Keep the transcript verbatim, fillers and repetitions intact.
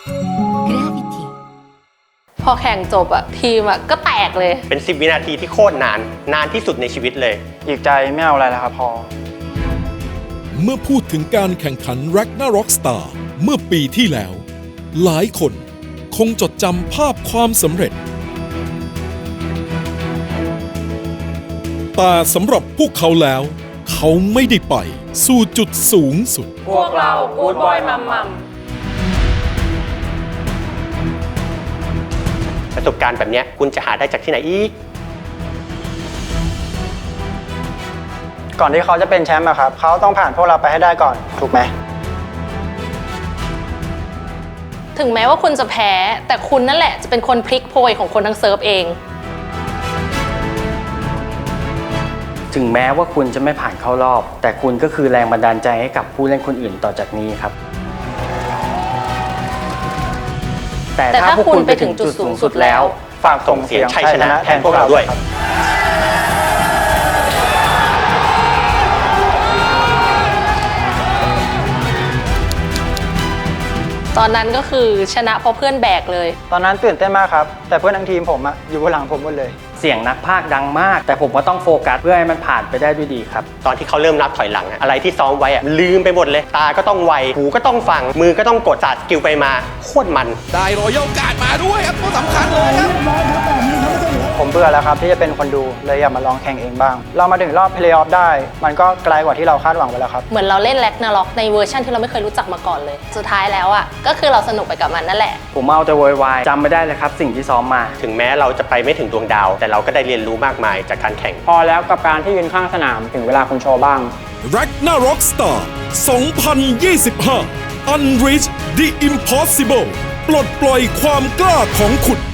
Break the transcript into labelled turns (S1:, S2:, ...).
S1: Gravity
S2: พอแข่งจบอะทีมอะก็แตกเลย
S3: เป็นสิบวินาทีที่โคตรนานนานที่สุดในชีวิตเลย
S4: อีกใจไม่เอาอะไรแล้วครับพอ
S5: เมื่อพูดถึงการแข่งขัน Ragnarok Star เมื่อปีที่แล้ว หลายคนคงจดจำภาพความสำเร็จ แต่สำหรับพวกเขาแล้ว เขาไม่ได้ไปสู่จุดสูงสุด
S2: พวกเรากู๊ดบอยมัมมัม
S3: ประสบการณ์แบบนี้คุณจะหาได้จากที่ไหนอีก
S4: ก่อนที่เขาจะเป็นแชมป์อะครับเขาต้องผ่านพวกเราไปให้ได้ก่อนถูกไหม
S2: ถึงแม้ว่าคุณจะแพ้แต่คุณนั่นแหละจะเป็นคนพลิกโพยของคนทั้งเซิร์ฟเอง
S6: ถึงแม้ว่าคุณจะไม่ผ่านเข้ารอบแต่คุณก็คือแรงบันดาลใจให้กับผู้เล่นคนอื่นต่อจากนี้ครับแต่ถ้าพวกคุณไปถึงจุดสูงสุดแล้ว
S4: ฝากส่งเสียงชัยชนะแทนพวกเราด้วย
S2: ตอนนั้นก็คือชนะเพราะเพื่อนแบกเลย
S4: ตอนนั้นตื่นเต้นมากครับแต่เพื่อนทั้งทีมผมอะอยู่บนหลังผมหมดเลย
S6: เสียงนักพากย์ดังมากแต่ผมก็ต้องโฟกัสเพื่อให้มันผ่านไปได้ด้วยดีครับ
S3: ตอนที่เขาเริ่มนับถอยหลังอะอะไรที่ซ้อมไว้อะลืมไปหมดเลยตาก็ต้องไวหูก็ต้องฟังมือก็ต้องกดศาสตร์สกิลไปมาโคตรมัน
S5: ได้รอยัลการ์ดมาด้วยครับตัวสำคัญเลยครับ
S4: ผมเบื่อแล้วครับที่จะเป็นคนดูเลยอยากมาลองแข่งเองบ้างเรามาถึงรอบเพลย์ออฟได้มันก็ไกลกว่าที่เราคาดหวังไว้แล้วครับ
S2: เหมือนเราเล่นแร็กนาร็อกในเวอร์ชันที่เราไม่เคยรู้จักมาก่อนเลยสุดท้ายแล้วอ่ะก็คือเราสนุกไปกับมันนั่นแหละ
S6: ผมเอาแต่โวยวายจำไม่ได้เลยครับสิ่งที่ซ้อมมา
S3: ถึงแม้เราจะไปไม่ถึงดวงดาวแต่เราก็ได้เรียนรู้มากมายจากการแข่ง
S4: พอแล้วกับการที่ยืนข้างสนามถึงเวลาคุณโชว์บ้าง
S5: Ragnarok Star สองพันยี่สิบห้า Unreach the Impossible ปลดปล่อยความกล้าของคุณ